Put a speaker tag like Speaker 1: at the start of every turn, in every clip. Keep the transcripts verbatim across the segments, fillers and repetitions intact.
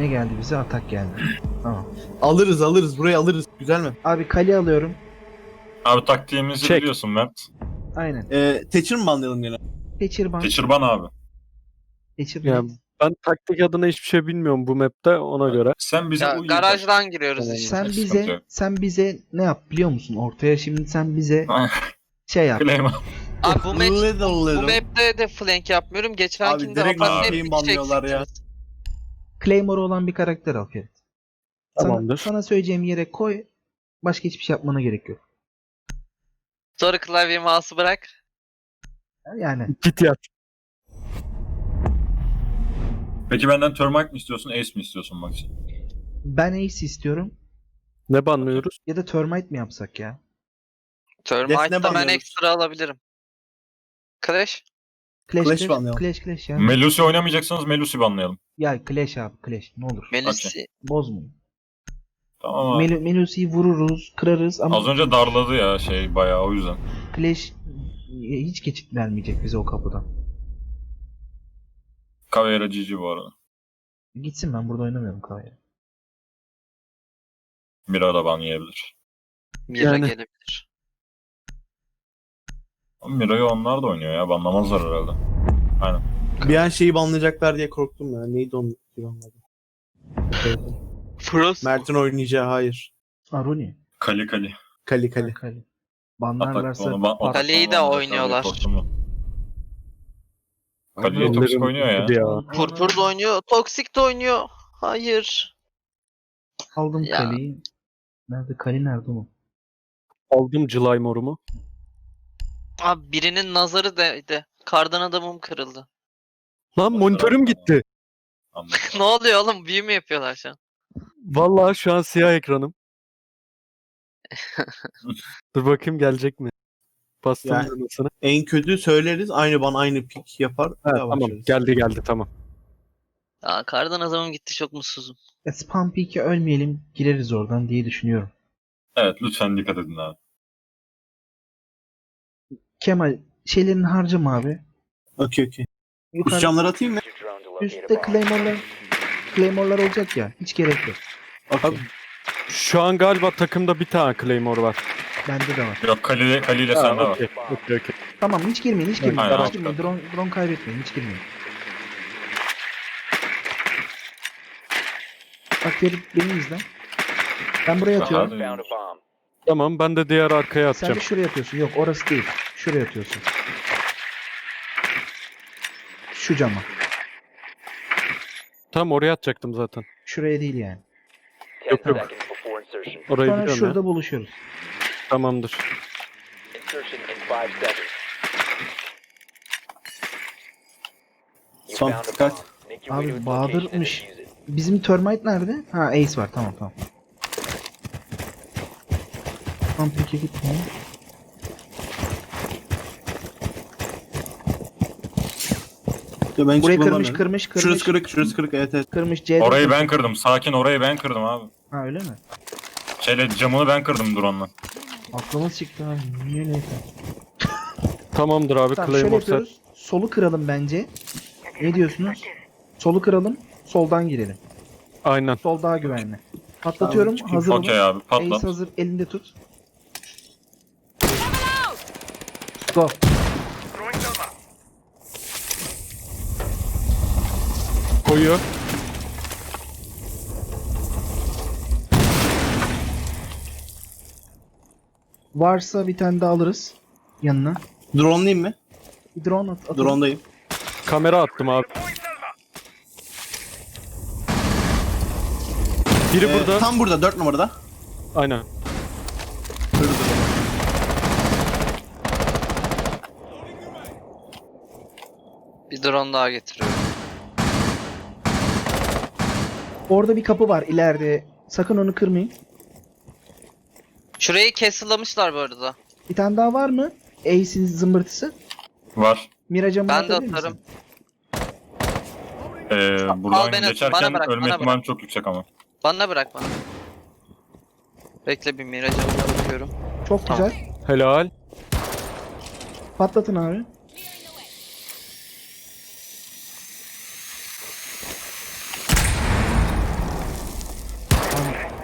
Speaker 1: Ne geldi bize? Atak geldi. Tamam.
Speaker 2: Alırız alırız. Burayı alırız. Güzel mi?
Speaker 1: Abi kale alıyorum.
Speaker 3: Abi taktiğimizi
Speaker 4: Çek.
Speaker 3: biliyorsun Mert.
Speaker 1: Aynen.
Speaker 2: Ee, Thatcher mı banlayalım yine?
Speaker 1: Geçir ban.
Speaker 3: Geçirban abi.
Speaker 1: Geçir
Speaker 4: Ya,
Speaker 1: net.
Speaker 4: ben taktik adına hiçbir şey bilmiyorum bu map'te, ona göre.
Speaker 3: Sen bize
Speaker 5: Ya,
Speaker 3: uy.
Speaker 5: garajdan giriyoruz
Speaker 4: Tamam.
Speaker 5: işte.
Speaker 1: Sen
Speaker 3: Sıkıntı
Speaker 1: bize
Speaker 3: yok.
Speaker 1: sen bize ne yap biliyor musun? Ortaya şimdi sen bize şey yap.
Speaker 3: Claim.
Speaker 5: Abi bu, match,
Speaker 2: Little
Speaker 5: bu
Speaker 2: little.
Speaker 5: map'te de flank yapmıyorum. Geçenkinde
Speaker 2: Abi direkt
Speaker 5: Apache
Speaker 3: şeyin
Speaker 5: hep
Speaker 2: banlıyorlar ya.
Speaker 5: çekeceğiz.
Speaker 1: Claymore olan bir karakter al Ferit. Sana,
Speaker 4: Tamamdır.
Speaker 1: sana söyleyeceğim yere koy. Başka hiçbir şey yapmana gerek yok.
Speaker 5: Sonra klavye mouse'u bırak.
Speaker 1: Yani
Speaker 4: Git yat.
Speaker 3: Peki benden Termite mi istiyorsun, Ace mi istiyorsun Maxi?
Speaker 1: ben Ace istiyorum.
Speaker 4: Ne banlıyoruz?
Speaker 1: Ya da Termite mi yapsak ya?
Speaker 5: Termite'da ben
Speaker 2: banlıyoruz.
Speaker 5: ekstra alabilirim. Clash.
Speaker 1: Clash
Speaker 2: Clash
Speaker 1: Clash
Speaker 2: banlayalım.
Speaker 1: Clash, Clash ya.
Speaker 3: Melusi oynamayacaksanız Melusi banlayalım.
Speaker 1: ya Clash abi Clash ne olur.
Speaker 5: Melisi.
Speaker 1: Bozmayın.
Speaker 3: Tamam abi.
Speaker 1: Mel Melusi'yi vururuz, kırarız ama
Speaker 3: Az önce darladı ya şey bayağı o yüzden.
Speaker 1: Clash hiç geçit vermeyecek bize o kapıdan.
Speaker 3: Caveira G G bu arada.
Speaker 1: Gitsin, ben burada oynamıyorum kahve.
Speaker 3: Mira da ban yiyebilir.
Speaker 5: Mira
Speaker 4: Yani.
Speaker 5: gelebilir.
Speaker 3: Ama Mira'yı onlar da oynuyor ya, banlamazlar herhalde. Aynen.
Speaker 2: Bir an şeyi banlayacaklar diye korktum ya. Neydi onun? Anladım.
Speaker 5: Frost.
Speaker 2: Mert'in oynayacağı hayır.
Speaker 1: Aruni.
Speaker 3: Kali Kali.
Speaker 2: Kali Kali.
Speaker 1: Kale.
Speaker 3: Atak
Speaker 1: Banlarlarsa
Speaker 3: onu ban.
Speaker 1: pat-
Speaker 5: Kaleyi de oynuyorlar.
Speaker 3: Kali'yi toksik oynuyor ya.
Speaker 4: Hadi ya.
Speaker 5: Purpur da oynuyor. Toxic de oynuyor. Hayır.
Speaker 1: aldım
Speaker 5: Ya.
Speaker 1: kaleyi. Nerede kale, nerede o?
Speaker 4: Aldım Claymore'umu.
Speaker 5: Abi birinin nazarı değdi. Kardan adamım kırıldı.
Speaker 4: Lan monitörüm gitti.
Speaker 3: Anladım.
Speaker 5: Ne oluyor oğlum? Büyü mü yapıyorlar şu an?
Speaker 4: Vallahi şu an siyah ekranım. Dur bakayım gelecek mi? Bastım
Speaker 2: Yani-
Speaker 4: düğmesine.
Speaker 2: En kötü söyleriz. Aynı ban aynı pik yapar.
Speaker 4: Ha,
Speaker 2: bir daha
Speaker 4: tamam
Speaker 2: başlarız.
Speaker 4: geldi geldi tamam.
Speaker 5: Aa, kardan adamım gitti, çok mutsuzum.
Speaker 1: Ya spam peak'e ölmeyelim, gireriz oradan diye düşünüyorum.
Speaker 3: Evet lütfen dikkat edin abi.
Speaker 1: Kemal şeylerini harcama abi.
Speaker 2: Okey okey.
Speaker 1: Yukarı,
Speaker 2: Üst camları atayım mı?
Speaker 1: üstte Claymore'lar Claymore'lar olacak ya. Hiç gerek yok.
Speaker 2: Okey.
Speaker 4: Şu an galiba takımda bir tane Claymore var.
Speaker 1: Bende de var.
Speaker 3: Yok Kali, Kali ile
Speaker 4: Ha,
Speaker 3: sende var.
Speaker 4: okey, okey, okey.
Speaker 1: Tamam, hiç girmeyin, hiç girmeyin.
Speaker 3: Aynen,
Speaker 1: hiç girmeyin. Drone, drone kaybetmeyin, hiç girmeyin. Bak Ferit, beni izle. Ben buraya atıyorum.
Speaker 3: Hadi.
Speaker 4: Tamam ben de diğer arkaya
Speaker 1: Sen
Speaker 4: atacağım.
Speaker 1: de şuraya atıyorsun. Yok, orası değil. Şuraya atıyorsun. Şu cama.
Speaker 4: Tam oraya atacaktım zaten.
Speaker 1: Şuraya değil yani.
Speaker 4: Yok yok. Orayı
Speaker 1: Sonra
Speaker 4: biliyorum
Speaker 1: şurada
Speaker 4: ya.
Speaker 1: buluşuyoruz.
Speaker 4: Tamamdır.
Speaker 2: Son dikkat.
Speaker 1: Abi Bahadır'mış. Bizim Termite nerede? Ha, Ace var. Tamam tamam. Tamam, peki gitmeyin.
Speaker 2: Ya ben hiç
Speaker 1: Burayı kırmış,
Speaker 2: kullanmıyorum.
Speaker 1: kırmış, kırmış.
Speaker 2: Şurası kırık, şurası kırık. Evet evet.
Speaker 1: Kırmış C'de.
Speaker 3: Orayı ben kırdım. Sakin, orayı ben kırdım abi.
Speaker 1: Ha, öyle mi?
Speaker 3: Şeyle camını ben kırdım drone'la.
Speaker 1: Aklımız çıktı ha. Niye neyse.
Speaker 4: Tamamdır abi
Speaker 1: Tamam, şöyle
Speaker 4: Claymore set.
Speaker 1: yapıyoruz. Solu kıralım bence. Ne diyorsunuz? Solu kıralım. Soldan girelim.
Speaker 4: Aynen.
Speaker 1: Sol daha güvenli. Patlatıyorum.
Speaker 2: Tamam,
Speaker 1: Hazır olun.
Speaker 3: Okey abi
Speaker 1: Ace
Speaker 3: patlat.
Speaker 1: hazır. Elinde tut. Go.
Speaker 4: Koyuyor.
Speaker 1: Varsa bir tane daha alırız. Yanına.
Speaker 2: Drone'layım mı?
Speaker 1: Bir drone at. atalım.
Speaker 2: Drone'dayım.
Speaker 4: Kamera attım abi. Biri
Speaker 2: Ee,
Speaker 4: burada.
Speaker 2: Tam burada, dört numarada.
Speaker 4: Aynen.
Speaker 2: Kırdı.
Speaker 5: Bir drone daha getiriyorum.
Speaker 1: Orada bir kapı var ileride. Sakın onu kırmayın.
Speaker 5: Şurayı castle'lamışlar bu arada.
Speaker 1: Bir tane daha var mı? Ace'in zımbırtısı.
Speaker 3: Var.
Speaker 1: Miraca
Speaker 5: Ben de atarım.
Speaker 3: Ee,
Speaker 5: Al,
Speaker 3: buradan
Speaker 5: ben atayım.
Speaker 3: geçerken
Speaker 5: Bana bırak,
Speaker 3: ölme
Speaker 5: bana
Speaker 3: ihtimali çok yüksek ama.
Speaker 5: Bana bırak bana. Bekle, bir miracımına bakıyorum.
Speaker 1: Çok
Speaker 5: Tamam.
Speaker 1: güzel.
Speaker 4: Helal.
Speaker 1: Patlatın abi.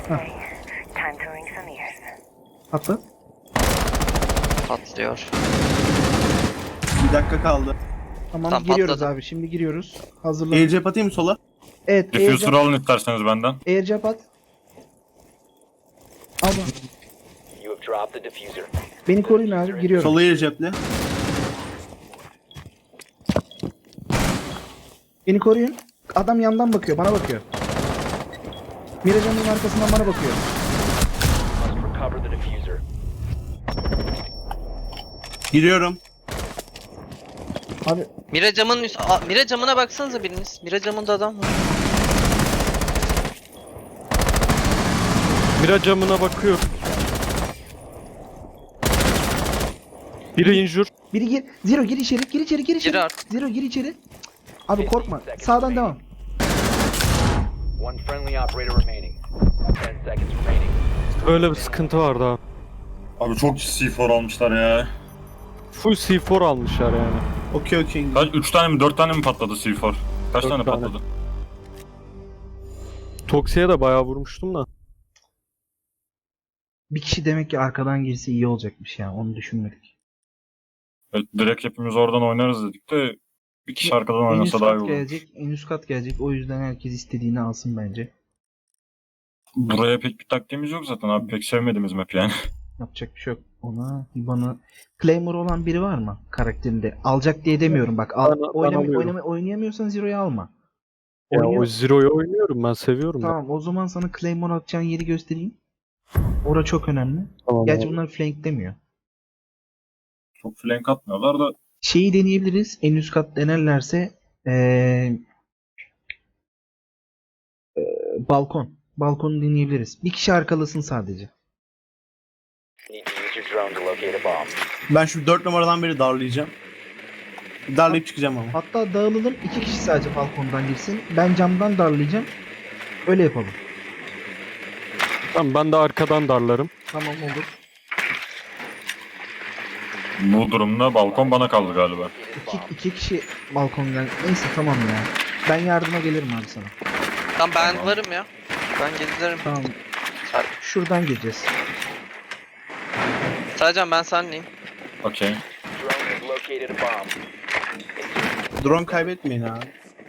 Speaker 1: Atla.
Speaker 5: Patlıyor.
Speaker 2: Bir dakika kaldı.
Speaker 1: Tamam,
Speaker 5: Tam
Speaker 1: giriyoruz
Speaker 5: patladı.
Speaker 1: abi. Şimdi giriyoruz. Hazırlan.
Speaker 2: Aircap atayım mı sola?
Speaker 1: Evet,
Speaker 3: Diffuser
Speaker 1: aircap,
Speaker 3: alın isterseniz benden.
Speaker 1: aircap at. Al bak.
Speaker 6: You have dropped the diffuser.
Speaker 1: Beni koruyun abi, giriyorum.
Speaker 2: Sola aircap'le.
Speaker 1: Beni koruyun. Adam yandan bakıyor, bana bakıyor. Miracan'ın arkasından bana bakıyor.
Speaker 6: Must recover the diffuser.
Speaker 2: Giriyorum.
Speaker 1: Abi
Speaker 5: Mira camın üst... Aa, Mira camına baksanıza biriniz. Mira camında adam var.
Speaker 4: Mira camına bakıyor. Biri injur.
Speaker 1: biri gir. Zero gir içeri, gir içeri, gir içeri.
Speaker 5: Gir artık.
Speaker 1: Zero gir içeri. Cık. Abi korkma. Sağdan devam.
Speaker 6: One friendly operator remaining. Ten seconds remaining.
Speaker 4: Böyle bir sıkıntı vardı abi.
Speaker 3: Abi çok C dört almışlar ya.
Speaker 4: Full C dört almışlar yani.
Speaker 2: Okey okey.
Speaker 3: Kaç? üç tane mi dört tane mi patladı C dört? Kaç
Speaker 4: Dört
Speaker 3: tane
Speaker 4: tane.
Speaker 3: patladı?
Speaker 4: Toksi'ye de bayağı vurmuştum da.
Speaker 1: Bir kişi demek ki arkadan girse iyi olacakmış ya. Onu düşünmedik.
Speaker 3: Evet, direkt hepimiz oradan oynarız dedik de bir kişi arkadan
Speaker 1: En üst
Speaker 3: oynasa daha iyi
Speaker 1: kat
Speaker 3: olur.
Speaker 1: gelecek. En üst kat gelecek. O yüzden herkes istediğini alsın bence.
Speaker 3: Buraya pek bir taktiğimiz yok zaten abi. Pek sevmediğimiz map yani.
Speaker 1: Yapacak bir şey yok. Ona bana Claymore olan biri var mı karakterinde? Alacak diye demiyorum bak. Al,
Speaker 4: Ben- ben
Speaker 1: oynama,
Speaker 4: alıyorum.
Speaker 1: oynama, oynayamıyorsan Zero'yu alma.
Speaker 4: Ya
Speaker 1: Oynuyor-
Speaker 4: o Zero'yu oynuyorum, ben seviyorum da.
Speaker 1: Tamam, o zaman sana Claymore atacağın yeri göstereyim. Ora çok önemli.
Speaker 4: Tamam
Speaker 1: Gerçi
Speaker 4: abi.
Speaker 1: bunlar flank demiyor.
Speaker 3: Çok flank atmıyorlar da
Speaker 1: Şeyi deneyebiliriz. En üst kat denerlerse ee, ee, balkon. Balkonu deneyebiliriz. Bir kişi arkalasın sadece.
Speaker 6: Need to use your drone to locate a bomb.
Speaker 2: Ben şu dört numaradan beri darlayacağım. Darlayıp çıkacağım ama.
Speaker 1: Hatta dağılalım. İki kişi sadece balkondan girsin. Ben camdan darlayacağım. Öyle yapalım.
Speaker 4: Tamam, ben de arkadan darlarım.
Speaker 1: Tamam, olur.
Speaker 3: bu durumda balkon bana kaldı galiba.
Speaker 1: İki, iki kişi balkondan. Neyse tamam ya. Ben yardıma gelirim abi sana.
Speaker 5: Tamam ben varım ya. Ben gezerim.
Speaker 1: Tamam. Şuradan gireceğiz.
Speaker 5: Sadece ben senleyim.
Speaker 3: Okey.
Speaker 6: Drone has located a bomb.
Speaker 2: Drone kaybetmeyin abi.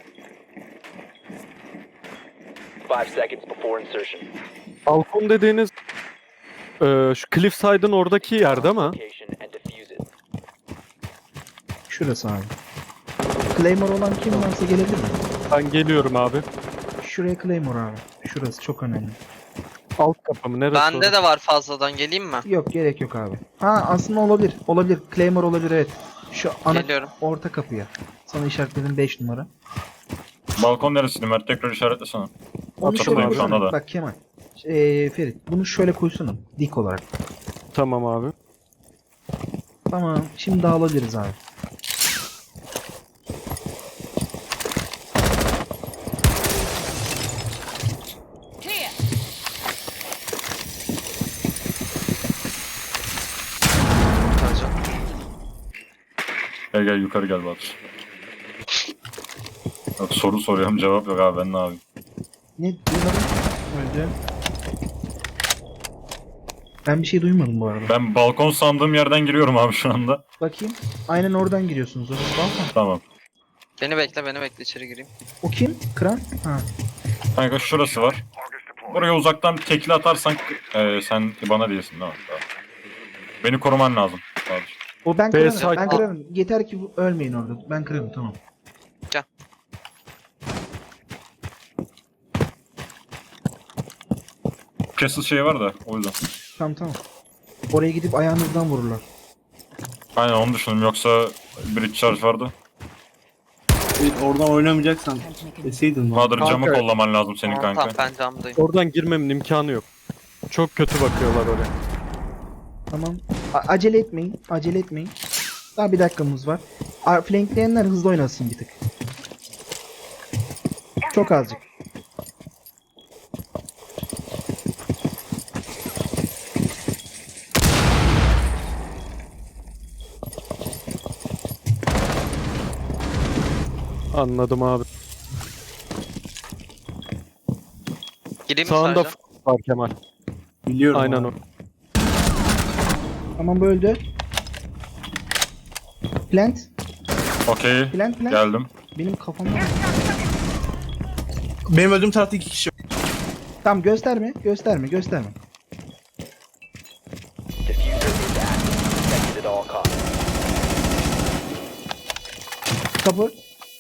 Speaker 6: Five seconds before insertion.
Speaker 4: Balkon dediğiniz eee şu Cliffside'ın oradaki yer değil mi?
Speaker 6: Location and defuse it.
Speaker 1: Şurası abi. Claymore olan kim varsa gelebilir mi?
Speaker 4: Ben geliyorum abi.
Speaker 1: Şuraya Claymore abi. Şurası çok önemli.
Speaker 4: Alt kapı mı? Neresi?
Speaker 5: Bende
Speaker 4: orası?
Speaker 5: de var fazladan. Geleyim mi?
Speaker 1: Yok, gerek yok abi. Ha, aslında olabilir. Olabilir. Claymore olabilir, evet. Şu ana
Speaker 5: Geliyorum.
Speaker 1: orta kapıya. Sana işaretledim beş numara.
Speaker 3: Balkon neresiydi Mert? Tekrar işaretlesene.
Speaker 1: Onu şöyle
Speaker 3: Hatırlıyorum şu anda
Speaker 1: koysana.
Speaker 3: da.
Speaker 1: Bak Kemal. Ee, Ferit, bunu şöyle koysana. Dik olarak.
Speaker 4: Tamam abi.
Speaker 1: Tamam. Şimdi dağılabiliriz abi.
Speaker 5: Sadece.
Speaker 3: Gel gel yukarı gel Batur. Yok, soru soruyorum cevap yok abi, ben ne yapayım?
Speaker 1: Ne duymadın? Önce. Ben bir şey duymadım bu arada.
Speaker 3: Ben balkon sandığım yerden giriyorum abi şu anda.
Speaker 1: Bakayım. Aynen oradan giriyorsunuz. Orası balkon.
Speaker 3: Tamam.
Speaker 5: Beni bekle beni bekle içeri gireyim.
Speaker 1: O kim? Kran? Ha.
Speaker 3: Kanka şurası var. Buraya uzaktan bir tekli atarsan e, sen bana değilsin değil mi? Tamam. Beni koruman lazım. Batur.
Speaker 1: O ben
Speaker 4: B
Speaker 1: kırarım.
Speaker 4: site-
Speaker 1: Ben kırarım. Yeter ki bu- ölmeyin orada. Ben kırarım, tamam.
Speaker 5: Gel.
Speaker 3: Castle şey var da o yüzden.
Speaker 1: Tamam tamam. Oraya gidip ayağınızdan vururlar.
Speaker 3: Aynen onu düşündüm, yoksa bridge charge vardı.
Speaker 2: Evet, oradan oynamayacaksan deseydin.
Speaker 3: Bahadır camı
Speaker 4: Kanka.
Speaker 3: kollaman lazım senin
Speaker 5: Tamam,
Speaker 3: kanka.
Speaker 5: tamam ben camdayım.
Speaker 4: Oradan girmemin imkanı yok. Çok kötü bakıyorlar oraya.
Speaker 1: Tamam. A- acele etmeyin. Acele etmeyin. Daha bir dakikamız var. A- Flankleyenler hızlı oynasın bir tık. Çok azıcık.
Speaker 4: Anladım abi.
Speaker 5: Gireyim mi
Speaker 4: Sağında
Speaker 5: sadece?
Speaker 4: f- var Kemal.
Speaker 2: Biliyorum.
Speaker 4: Aynen
Speaker 2: abi.
Speaker 4: o.
Speaker 1: Tamam bu öldü. Plant.
Speaker 3: Okey.
Speaker 1: Plant plant.
Speaker 3: Geldim.
Speaker 1: Benim kafamda.
Speaker 2: Benim öldüğüm tarafta iki kişi var.
Speaker 1: Tamam gösterme. Gösterme. Gösterme.
Speaker 6: Diffuser is active. Protected at all costs.
Speaker 1: Kapı.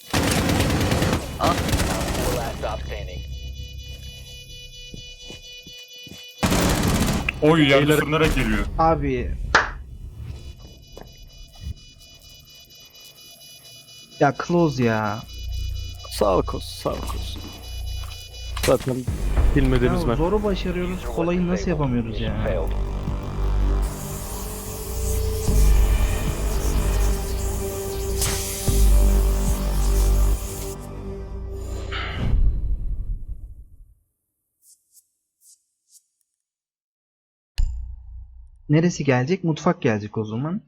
Speaker 6: Four last stop standing.
Speaker 3: Oy yer
Speaker 4: Beyler-
Speaker 3: sürünerek geliyor.
Speaker 1: Abi. Ya close ya.
Speaker 4: Sağlık olsun, sağlık olsun. Zaten bilmediğimiz
Speaker 1: Ya
Speaker 4: map.
Speaker 1: zoru başarıyoruz. Kolayı nasıl yapamıyoruz ya?
Speaker 6: Failed.
Speaker 1: Neresi gelecek? Mutfak gelecek o zaman.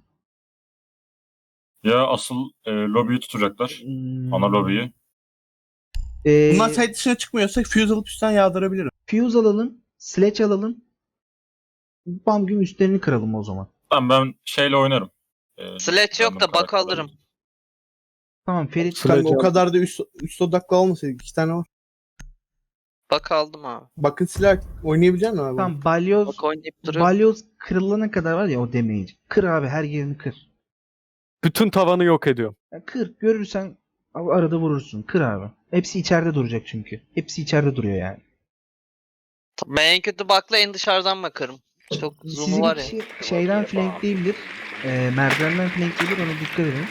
Speaker 3: Ya asıl e, lobiyi tutacaklar.
Speaker 1: Hmm.
Speaker 3: Ana lobiyi.
Speaker 1: Ee,
Speaker 2: Bunlar site dışına çıkmıyorsa fuse alıp üstten yağdırabilirim.
Speaker 1: Fuse alalım. Sledge alalım. Bam güm üstlerini kıralım o zaman.
Speaker 3: Tamam ben şeyle oynarım. E,
Speaker 5: Sledge yok da
Speaker 3: random
Speaker 5: bak
Speaker 3: karakterle.
Speaker 5: alırım.
Speaker 1: Tamam Ferit.
Speaker 4: Sledge
Speaker 2: Kanka o
Speaker 4: al.
Speaker 2: kadar da üst, üst odaklı olmasaydı. İki tane var.
Speaker 5: Bak aldım abi.
Speaker 2: Bakın silah oynayabilecek misin abi?
Speaker 1: Tamam balyoz.
Speaker 5: Bak oynayıp duruyor.
Speaker 1: Balyoz kırılana kadar var ya o damage. Kır abi her yerini kır.
Speaker 4: Bütün tavanı yok ediyor.
Speaker 1: Ya kır. Görürsen abi arada vurursun. Kır abi. Hepsi içeride duracak çünkü. Hepsi içeride duruyor yani.
Speaker 5: Ben en kötü bakla en dışarıdan bakarım. Çok zoom'u
Speaker 1: Sizin
Speaker 5: var ya.
Speaker 1: kişi şeyden flankleyebilir. E, merdivenden flankleyebilir. Ona dikkat edin.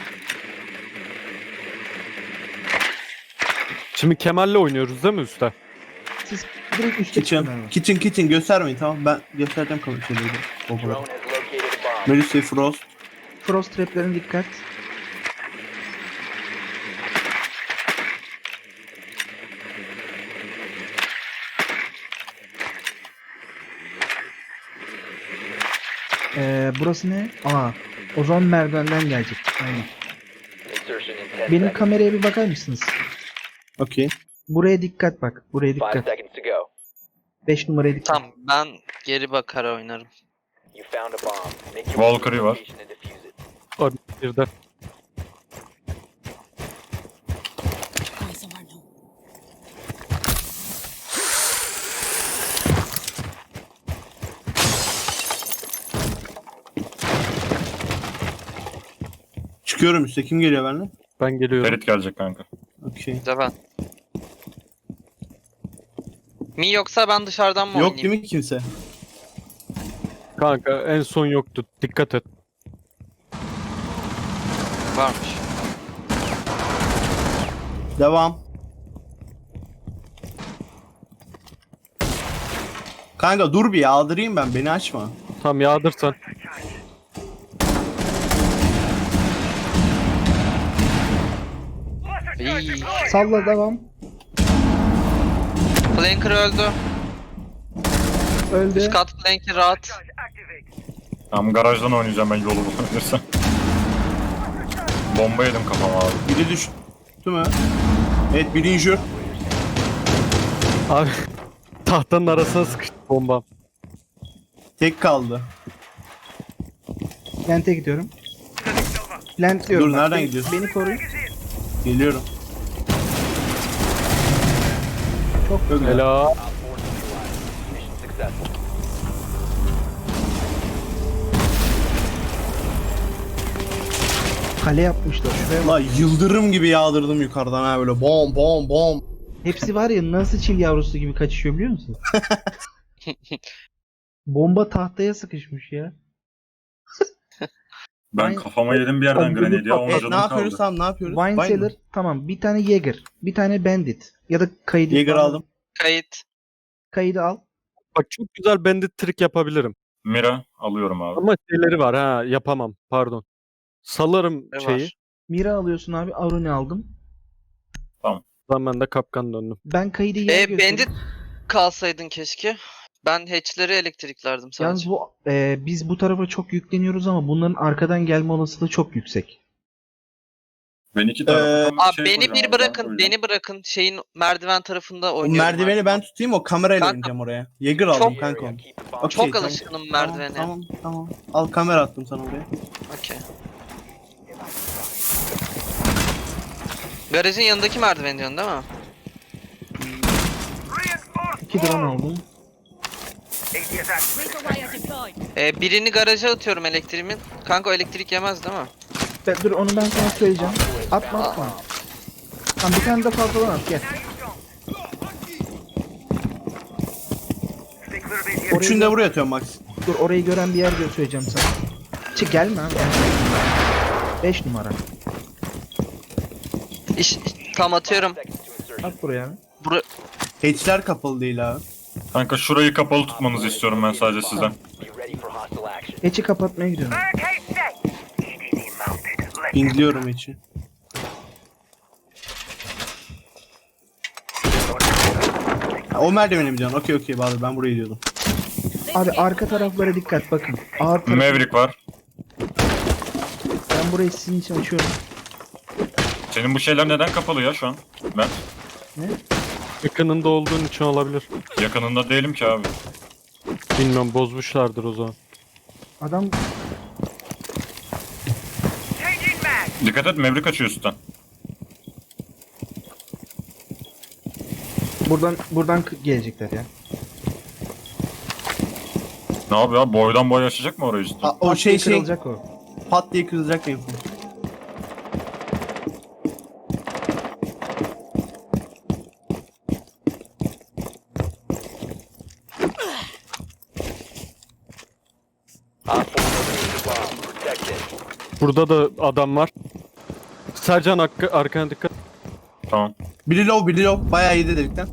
Speaker 4: Şimdi Kemal'le oynuyoruz değil mi üstte?
Speaker 1: Siz direkt üstte çıkın
Speaker 2: Kitchen.
Speaker 1: abi.
Speaker 2: Kitchen kitchen göstermeyin tamam. Ben göstereceğim kalan şeyleri. O
Speaker 6: Drone
Speaker 2: kadar.
Speaker 6: has located a bomb.
Speaker 2: Melisa'yı Frost.
Speaker 1: Frost trap'lerine dikkat. Ee, burası ne? Aa, o zaman merdivenden gelecek. Aynen.
Speaker 6: Insertion in ten
Speaker 1: Benim
Speaker 6: seconds.
Speaker 1: kameraya bir bakar mısınız?
Speaker 2: Okey.
Speaker 1: Buraya dikkat bak. Buraya
Speaker 6: Five
Speaker 1: dikkat.
Speaker 6: seconds to go.
Speaker 1: beş numaraya dikkat.
Speaker 5: Tamam ben geri bakar oynarım.
Speaker 6: You found a bomb. Make your way to
Speaker 3: Valkyrie
Speaker 6: the
Speaker 3: var.
Speaker 6: location and defuse it.
Speaker 4: O bir de.
Speaker 7: Going somewhere new.
Speaker 2: Çıkıyorum üstte. Kim geliyor benimle?
Speaker 4: Ben geliyorum.
Speaker 3: Ferit gelecek kanka.
Speaker 2: Okey.
Speaker 5: Bir de ben. Mi yoksa ben dışarıdan mı
Speaker 2: Yok
Speaker 5: oynayayım?
Speaker 2: değil mi kimse?
Speaker 4: Kanka en son yoktu. Dikkat et.
Speaker 5: Varmış.
Speaker 2: Devam. Kanka dur bir yağdırayım ben. Beni açma.
Speaker 4: Tamam yağdırsan.
Speaker 5: İyi.
Speaker 1: Salla devam.
Speaker 5: Flanker öldü.
Speaker 1: Öldü.
Speaker 5: Üst kat flanker rahat.
Speaker 3: Tamam garajdan oynayacağım ben yolu bulabilirsem. Bomba yedim kafama abi.
Speaker 2: Biri düştü mü? Evet biri injure.
Speaker 4: Abi tahtanın arasına sıkıştı bombam.
Speaker 2: Tek kaldı.
Speaker 1: Plant'e gidiyorum. Plant diyorum.
Speaker 2: Dur,
Speaker 1: bak.
Speaker 2: nereden
Speaker 1: Beni-
Speaker 2: gidiyorsun?
Speaker 1: Beni koruyun.
Speaker 2: Geliyorum. Çok güzel.
Speaker 4: Helal.
Speaker 6: Op four neutralized. Mission successful.
Speaker 1: Kale yapmışlar. Şuraya bak.
Speaker 2: La yıldırım gibi yağdırdım yukarıdan ha böyle bom bom bom.
Speaker 1: Hepsi var ya nasıl çil yavrusu gibi kaçışıyor biliyor musun? Bomba tahtaya sıkışmış ya.
Speaker 3: Ben
Speaker 1: Ay-
Speaker 3: kafama yedim bir yerden
Speaker 1: Ay,
Speaker 3: grenade ya. on
Speaker 2: Evet
Speaker 3: canım
Speaker 2: ne yapıyoruz
Speaker 3: kaldı.
Speaker 2: tamam ne yapıyoruz?
Speaker 1: Wine
Speaker 2: Vine
Speaker 1: Cellar
Speaker 2: mi?
Speaker 1: tamam. Bir tane Jäger. Bir tane Bandit. Ya da kaydı.
Speaker 2: Jäger aldım.
Speaker 5: Kayıt.
Speaker 1: Kaydı al.
Speaker 4: Bak çok güzel bandit trick yapabilirim.
Speaker 3: Mira alıyorum abi.
Speaker 4: Ama şeyleri var ha yapamam pardon. Salarım
Speaker 5: Ne
Speaker 4: şeyi.
Speaker 5: var?
Speaker 1: Mira alıyorsun abi. Aruni aldım.
Speaker 4: Ben de kapkan döndüm.
Speaker 1: Ben kaydı yer
Speaker 5: E,
Speaker 1: göstereyim.
Speaker 5: bandit kalsaydın keşke. Ben hatch'leri elektriklerdim
Speaker 1: Yalnız
Speaker 5: sadece.
Speaker 1: bu e, biz bu tarafa çok yükleniyoruz ama bunların arkadan gelme olasılığı çok yüksek.
Speaker 3: Ben iki
Speaker 2: Ee,
Speaker 3: tarafından
Speaker 5: Abi
Speaker 3: şey
Speaker 5: beni
Speaker 3: koyacağım
Speaker 5: bir
Speaker 3: abi,
Speaker 5: bırakın,
Speaker 3: koyacağım.
Speaker 5: beni bırakın. Şeyin merdiven tarafında
Speaker 2: O
Speaker 5: oynuyorum.
Speaker 2: merdiveni
Speaker 5: abi.
Speaker 2: ben tutayım, o kamerayla
Speaker 5: Kanka,
Speaker 2: ineceğim oraya. Jäger aldım
Speaker 5: çok-
Speaker 2: kanka onu.
Speaker 6: Keep the bomb.
Speaker 2: Okey,
Speaker 5: Çok
Speaker 2: tamam.
Speaker 5: alışkınım merdivene.
Speaker 2: Tamam, tamam, tamam. Al kamera attım sana oraya.
Speaker 5: Okey. Garajın yanındaki merdiven diyorsun değil mi?
Speaker 1: İki drone aldım.
Speaker 7: Razor wire deployed.
Speaker 5: Ee, birini garaja atıyorum elektriğimin. Kanka o elektrik yemez değil mi?
Speaker 1: Be- dur onu ben sana söyleyeceğim. Atma atma. Tamam bir tane de fazladan at gel. Orayı
Speaker 2: Üçünü de
Speaker 1: gö-
Speaker 2: buraya atıyorum Max.
Speaker 1: Dur orayı gören bir yer gö- söyleyeceğim sana. Çık gelme abi. beş numara.
Speaker 5: İş, tam atıyorum.
Speaker 6: Seconds to insertion.
Speaker 1: At buraya.
Speaker 5: Bura
Speaker 2: Hatchler kapalı değil abi.
Speaker 3: Kanka şurayı kapalı tutmanızı istiyorum ben sadece sizden.
Speaker 6: Be ready for hostile action.
Speaker 1: Hatch'i kapatmaya gidiyorum.
Speaker 2: Pingliyorum hatch'i. Ha, o merdiveni mi diyorsun? Okey okey Bahadır, ben burayı diyordum.
Speaker 1: Abi arka taraflara dikkat bakın. Ağır taraf.
Speaker 3: Maverick var.
Speaker 1: Ben burayı sizin için açıyorum.
Speaker 3: Senin bu şeyler neden kapalı ya şu an? Ben
Speaker 4: Yakınında olduğun için olabilir.
Speaker 3: yakınında değilim ki abi.
Speaker 4: Bilmiyorum, bozmuşlardır o zaman.
Speaker 1: Adam
Speaker 3: Dikkat et, Maverick açıyor üstten.
Speaker 1: buradan buradan k- gelecekler ya.
Speaker 3: Ne yapıyor abi? Boydan boya açacak mı orayı üstten?
Speaker 2: Ha, o
Speaker 1: Pat
Speaker 2: şey
Speaker 1: diye
Speaker 2: şey
Speaker 1: kırılacak o.
Speaker 2: pat diye kırılacak benim.
Speaker 6: Op four located the bomb. Protect it.
Speaker 4: Burada da adam var. Sercan arka, arkana dikkat.
Speaker 3: Tamam.
Speaker 2: Biri low, biri low. Bayağı iyiydi delikten.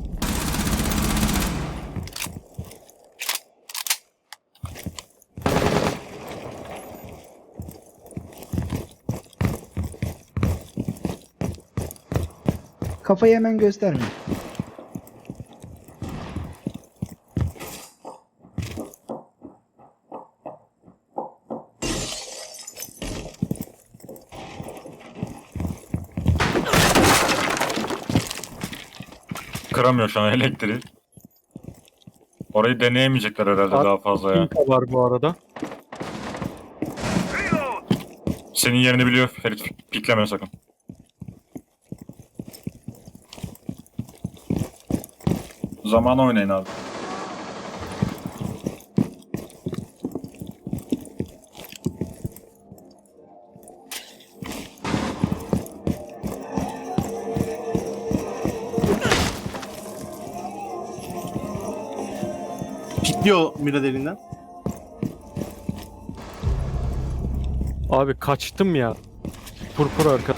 Speaker 1: Kafayı hemen gösterme.
Speaker 3: Kıramıyor şu an elektriği. Orayı deneyemeyecekler herhalde
Speaker 4: At-
Speaker 3: daha fazla ya.
Speaker 4: Pinka var bu arada.
Speaker 3: Senin yerini biliyor Ferit. Pikleme sakın. Zaman oynayın abi.
Speaker 2: Pikliyor mira deliğinden.
Speaker 4: Abi kaçtım ya. Purpur arka.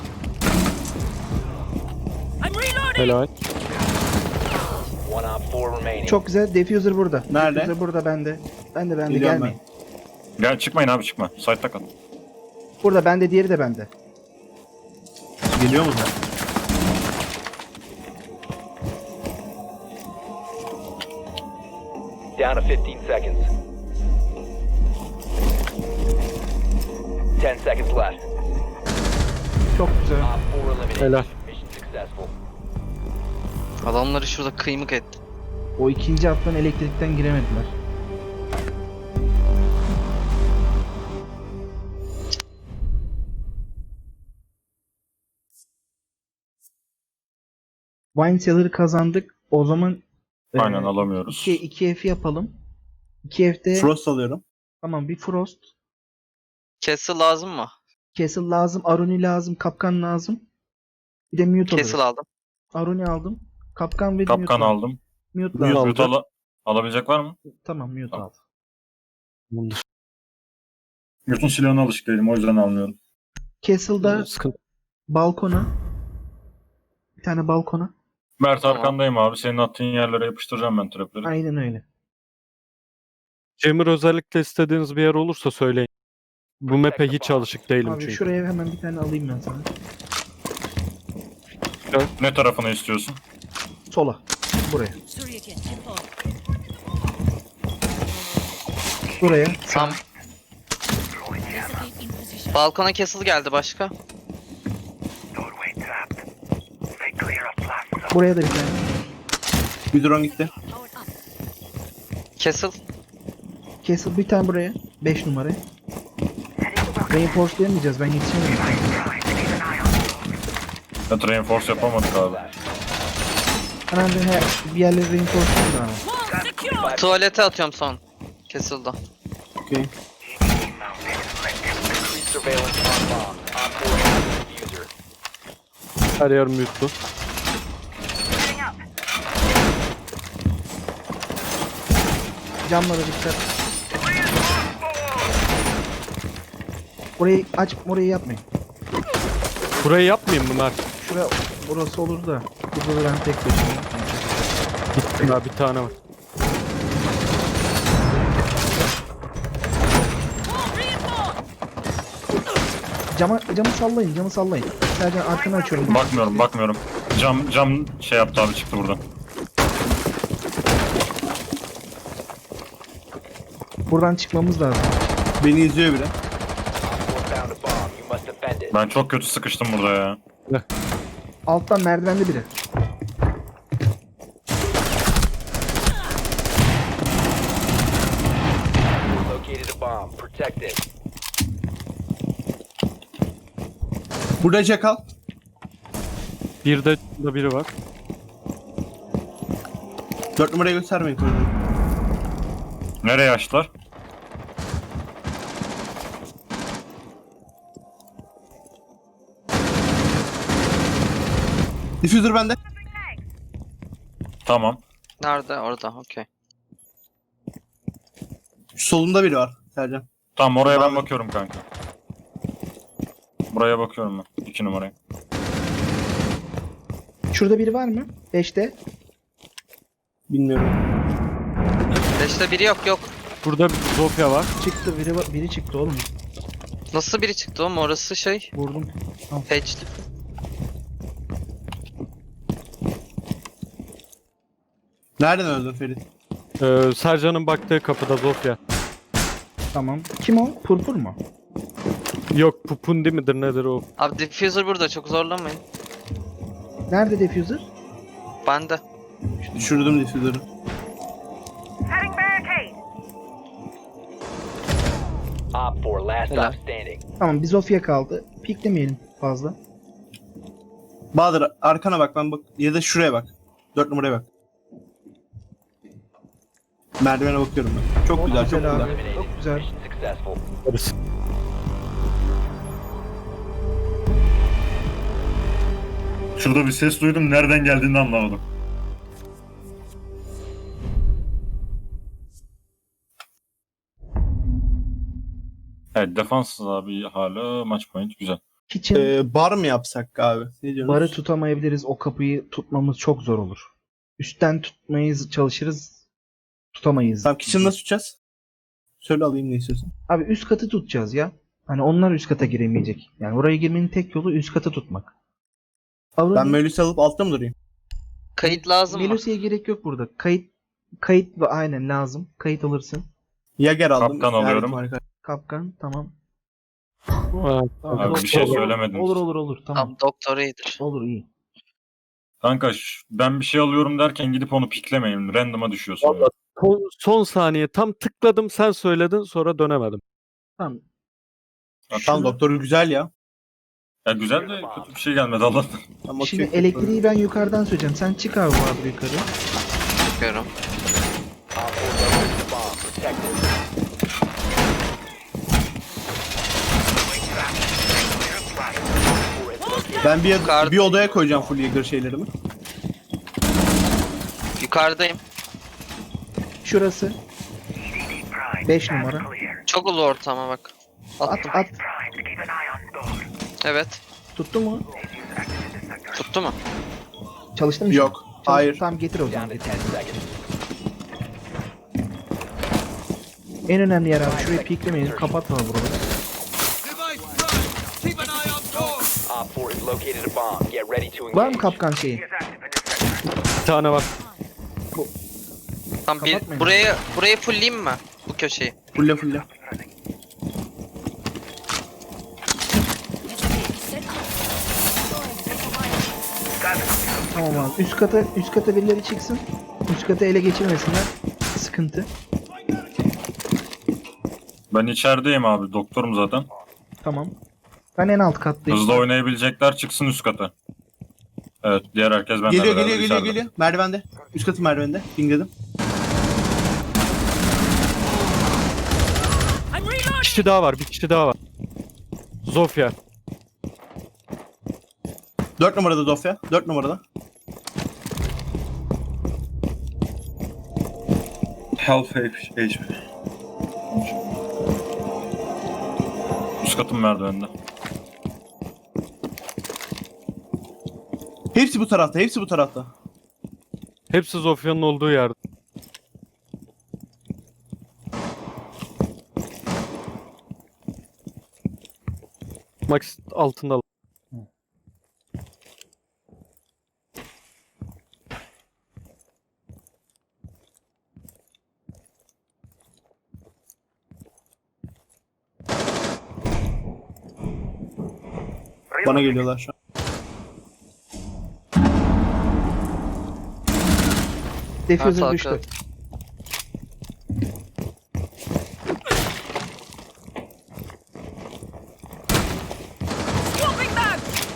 Speaker 7: I'm reloading.
Speaker 4: Helal.
Speaker 6: One op four remaining.
Speaker 1: Çok güzel. Diffuser burada.
Speaker 2: Nerede?
Speaker 1: Diffuser burada bende. Bende bende
Speaker 2: Geliyorum
Speaker 1: gelmeyin.
Speaker 3: Gel çıkmayın abi çıkma. Site'da kal.
Speaker 1: Burada bende, diğeri de bende.
Speaker 2: Geliyor mu sen?
Speaker 6: Down to fifteen seconds. ten seconds left.
Speaker 1: Çok güzel.
Speaker 6: Op four eliminated.
Speaker 4: Helal.
Speaker 6: Mission successful.
Speaker 5: Adamları şurada kıymık etti.
Speaker 1: O ikinci hattan elektrikten giremediler. Wine Cellar'ı kazandık. O zaman
Speaker 3: Aynen
Speaker 1: e,
Speaker 3: alamıyoruz.
Speaker 1: iki, iki F yapalım. iki F'de
Speaker 2: Frost alıyorum.
Speaker 1: tamam, bir Frost.
Speaker 5: Castle lazım mı?
Speaker 1: Castle lazım, Aruni lazım, Kapkan lazım. Bir de Mute alırız.
Speaker 5: Castle aldım.
Speaker 1: Aruni aldım. Kapkan ve
Speaker 3: Kapkan
Speaker 1: Mute aldım.
Speaker 3: aldım.
Speaker 1: Mute
Speaker 4: Mute
Speaker 1: lazım.
Speaker 3: Mute ala- alabilecek var mı?
Speaker 1: Tamam, Mute
Speaker 3: Tamam.
Speaker 1: aldım.
Speaker 4: Bundur.
Speaker 3: Mute'un silahına alışık değilim o yüzden almıyorum.
Speaker 1: Castle'da
Speaker 4: Sıkıntı.
Speaker 1: balkona. Bir tane balkona.
Speaker 3: Mert
Speaker 5: Tamam.
Speaker 3: arkandayım abi. Senin attığın yerlere yapıştıracağım ben trapleri.
Speaker 1: Aynen öyle.
Speaker 4: Cemir özellikle istediğiniz bir yer olursa söyleyin. Bu map'e hiç alışık değilim
Speaker 1: Abi
Speaker 4: çünkü.
Speaker 1: şuraya hemen bir tane alayım ben sana.
Speaker 3: Ne tarafını istiyorsun?
Speaker 1: Sola. Buraya.
Speaker 7: Surya kit deployed.
Speaker 1: Buraya.
Speaker 5: Tam
Speaker 7: Recipe in position.
Speaker 5: balkona castle geldi başka.
Speaker 1: Buraya da bir tane.
Speaker 2: Bir drone gitti.
Speaker 7: Powered up.
Speaker 5: Castle.
Speaker 1: Castle bir tane buraya. beş numaraya. Reinforce'layamayacağız. Ben yetişemiyorum.
Speaker 3: Evet, reinforce yapamadık abi.
Speaker 1: Hemen bir, her, bir yerleri reinforce'layayım da abi.
Speaker 7: Wall secured.
Speaker 5: Tuvalete atıyorum son. Castle'da.
Speaker 2: Okey.
Speaker 6: Increased surveillance on bomb. Op four has the diffuser.
Speaker 4: Her yer mute'lu.
Speaker 1: Camlara dikkat. Orayı aç, orayı yapmayın.
Speaker 4: Burayı yapmayayım mı Mert?
Speaker 1: Şura, burası olur da. Burada da ben tek başıma.
Speaker 4: Gittim ya, bir tane var.
Speaker 7: Wall reinforced.
Speaker 1: Cama, camı sallayın, camı sallayın. Sadece arkanı açıyorum.
Speaker 3: Bakmıyorum bakmıyorum. Cam cam şey yaptı abi, çıktı buradan.
Speaker 1: Buradan çıkmamız lazım.
Speaker 2: Beni izliyor bile.
Speaker 6: Op four found a bomb. You must defend it.
Speaker 3: Ben çok kötü sıkıştım burada ya.
Speaker 1: Alttan merdivende biri.
Speaker 6: Located a bomb. Protect it.
Speaker 2: Burada Jackal.
Speaker 4: Bir de da biri var.
Speaker 2: Dört numarayı göstermeyin koridorda.
Speaker 3: Nereye açtılar?
Speaker 2: Diffuser bende.
Speaker 3: Tamam.
Speaker 5: Nerede? Orada. Okey.
Speaker 2: Şu solunda biri var. Sercan.
Speaker 3: Tamam, oraya ben
Speaker 2: Abi.
Speaker 3: bakıyorum kanka. Buraya bakıyorum ben. İki numaraya.
Speaker 1: Şurada biri var mı? beşte.
Speaker 2: Bilmiyorum.
Speaker 5: Beşte biri yok yok.
Speaker 4: Burada bir Zofia var.
Speaker 1: Çıktı biri, var- biri çıktı oğlum.
Speaker 5: Nasıl biri çıktı oğlum? Orası şey.
Speaker 1: Vurdum.
Speaker 5: Patch'li.
Speaker 2: Nereden öldün Ferit?
Speaker 4: Ee, Sercan'ın baktığı kapıda Zofia.
Speaker 1: Tamam. Kim o? Purpur mu?
Speaker 4: Yok, Pupundi midir nedir o?
Speaker 5: Abi diffuser burada. Çok zorlamayın.
Speaker 1: Nerede diffuser?
Speaker 5: Bende.
Speaker 2: Düşürdüm diffuser'ı.
Speaker 6: Op four last
Speaker 5: Helal.
Speaker 6: stop standing.
Speaker 1: Tamam, bir Zofia kaldı. Piklemeyelim fazla.
Speaker 2: Bahadır arkana bak, ben bak. Ya da şuraya bak. Dört numaraya bak. Merdivene bakıyorum ben. Çok güzel, çok
Speaker 1: güzel abi.
Speaker 2: güzel.
Speaker 6: Eliminated.
Speaker 1: Çok güzel.
Speaker 6: Mission successful.
Speaker 4: Neresi?
Speaker 3: Şurada bir ses duydum. Nereden geldiğini anlamadım. Evet, defanssız abi hala, maç point güzel.
Speaker 1: Kitchen
Speaker 2: Ee, bar mı yapsak abi? Ne diyorsunuz?
Speaker 1: barı tutamayabiliriz. O kapıyı tutmamız çok zor olur. Üstten tutmaya çalışırız. Tutamayız.
Speaker 2: Tamam, kitchen nasıl tutacağız? Söyle alayım ne istiyorsun.
Speaker 1: Abi üst katı tutacağız ya. Hani onlar üst kata giremeyecek. Yani oraya girmenin tek yolu üst katı tutmak. Avru
Speaker 2: Ben Melis'i alıp altta mı durayım?
Speaker 5: Kayıt lazım mı?
Speaker 1: Melusi'ye gerek yok burada. Kayıt kayıt ve aynen lazım. Kayıt alırsın.
Speaker 2: Yager aldım.
Speaker 3: Kaptan alıyorum.
Speaker 2: Yani harika.
Speaker 1: Kapkan tamam.
Speaker 4: Ha,
Speaker 1: Tamam,
Speaker 3: Abi
Speaker 1: olur,
Speaker 3: bir şey
Speaker 1: olur,
Speaker 3: söylemediniz.
Speaker 1: Olur olur olur tamam.
Speaker 5: Tamam, doktor iyidir.
Speaker 1: Olur iyi.
Speaker 3: Kanka ş- ben bir şey alıyorum derken gidip onu piklemeyin. Random'a düşüyorsun.
Speaker 4: Vallahi son, son saniye tam tıkladım, sen söyledin, sonra dönemedim.
Speaker 1: Tamam.
Speaker 2: Tamam, doktoru güzel ya.
Speaker 3: Ya güzel de kötü bir şey gelmedi Allah'tan.
Speaker 2: Tamam,
Speaker 1: Şimdi
Speaker 2: okey.
Speaker 1: elektriği ben yukarıdan söyleyeceğim. Sen çık abi abi yukarı.
Speaker 5: Bakıyorum.
Speaker 6: Op four located a bomb. Protect it.
Speaker 2: Ben bir,
Speaker 5: Yukarıda-
Speaker 2: bir odaya koyacağım full Yager şeylerimi.
Speaker 5: Yukarıdayım.
Speaker 1: Şurası. beş numara.
Speaker 5: Çok ulu ortama bak.
Speaker 1: At
Speaker 5: Attım.
Speaker 1: at.
Speaker 5: Evet.
Speaker 1: Tuttu mu?
Speaker 5: Tuttu mu?
Speaker 1: Çalıştı mı?
Speaker 2: Yok.
Speaker 1: Çalış-
Speaker 2: Hayır.
Speaker 1: Tamam getir o
Speaker 6: Down
Speaker 1: zaman
Speaker 6: to
Speaker 1: getir.
Speaker 6: ten seconds.
Speaker 1: En önemli yer abi. Şurayı piklemeyin. Kapatma buraları.
Speaker 6: Op four has located a bomb. Get ready to engage.
Speaker 1: Var mı kapkan şeyi?
Speaker 4: Bir tane var.
Speaker 5: Tamam, bir,
Speaker 1: Kapatmayın.
Speaker 5: buraya burayı fullleyeyim mi? Bu köşeyi.
Speaker 2: Fulle fulle.
Speaker 7: Set up.
Speaker 1: Tamam abi. Üst kata üst kata birileri çıksın. Üst kata ele geçirmesinler. Sıkıntı.
Speaker 3: Ben içerideyim abi. Doktorum zaten.
Speaker 1: Tamam. Ben en alt kattayım.
Speaker 3: Hızlı oynayabilecekler çıksın üst kata. Evet, diğer herkes benden
Speaker 2: Geliyor
Speaker 3: beraber
Speaker 2: geliyor geliyor
Speaker 3: içeride.
Speaker 2: geliyor. Merdivende. Üst katı merdivende. Pingledim.
Speaker 7: I'm
Speaker 4: Bir
Speaker 7: reloading.
Speaker 4: kişi daha var, bir kişi daha var. Zofia.
Speaker 2: Dört numarada Dofya. Dört numarada.
Speaker 8: Half H P.
Speaker 3: Üst katın merdiveninde.
Speaker 2: Hepsi bu tarafta. Hepsi bu tarafta.
Speaker 4: Hepsi Zofia'nın olduğu yerde. Max altında.
Speaker 2: Bana geliyorlar şu an.
Speaker 1: Diffuser
Speaker 5: Arka,
Speaker 1: düştü.
Speaker 5: arka.
Speaker 7: Swapping back.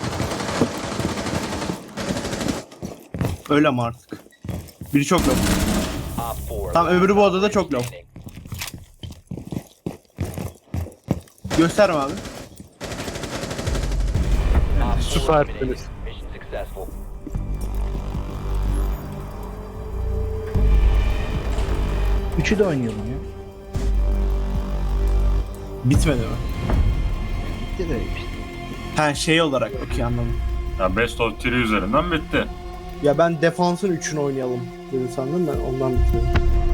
Speaker 2: Öyle ama artık. Biri çok low.
Speaker 6: Op four.
Speaker 2: Tamam, öbürü bu odada çok low.
Speaker 6: Standing.
Speaker 2: Gösterme abi.
Speaker 6: Op four
Speaker 4: Süper.
Speaker 6: eliminated. Mission successful.
Speaker 1: Üçü de oynayalım ya.
Speaker 2: Bitmedi mi?
Speaker 1: Bitti de işte.
Speaker 2: Ha, şey olarak. Okey, anladım.
Speaker 3: Ya Best of üç üzerinden bitti.
Speaker 2: Ya ben defansın üçünü oynayalım dedi sandım, ben ondan bitmedi.